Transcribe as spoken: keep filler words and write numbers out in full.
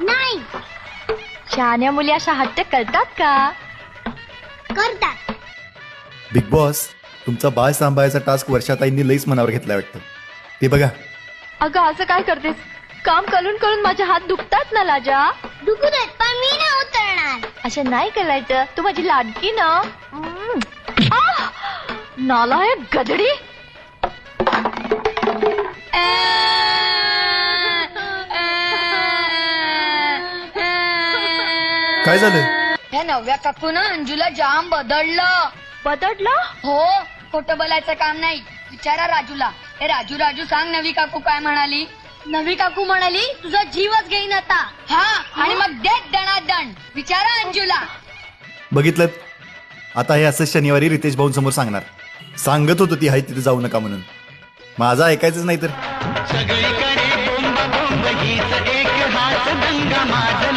नाही. शहाण्या मुली अशा हट्ट करतात का? करतात. बिग बॉस, तुमचा बाळ सांभाळायचा टास्क वर्षाताईंनी लईच मनावर घेतला वाटतं. ते बघा. अगं असं काय करतेस? काम करून करून माझे हात दुखतात ना लाजा. दुखू देत पण मी नाही उतरणार. असं नाही करायचं, तू माझी लाडकी ना. हम्म. आह! नालायक गधडी. काय झालं? या नवव्या काकून अंजूला जाम बदललं. बदडलं? हो, खोटं बोलायचं काम नाही. विचारा राजूला. ए राजू राजू सांग नवी काकू काय म्हणाली? नवी काकू म्हणाली तुझा जीवच घेईन आता. हा, आणि मग देत दणादण. विचारा अंजूला. बघितलं, आता हे असं शनिवारी रितेश भाऊ समोर सांगणार. सांगत होतो ती हाय तिथे जाऊ नका म्हणून. माझा ऐकायचंच नाही तर. सगळीकडे बोंब बोंब हीच एक हाच दंगा माझ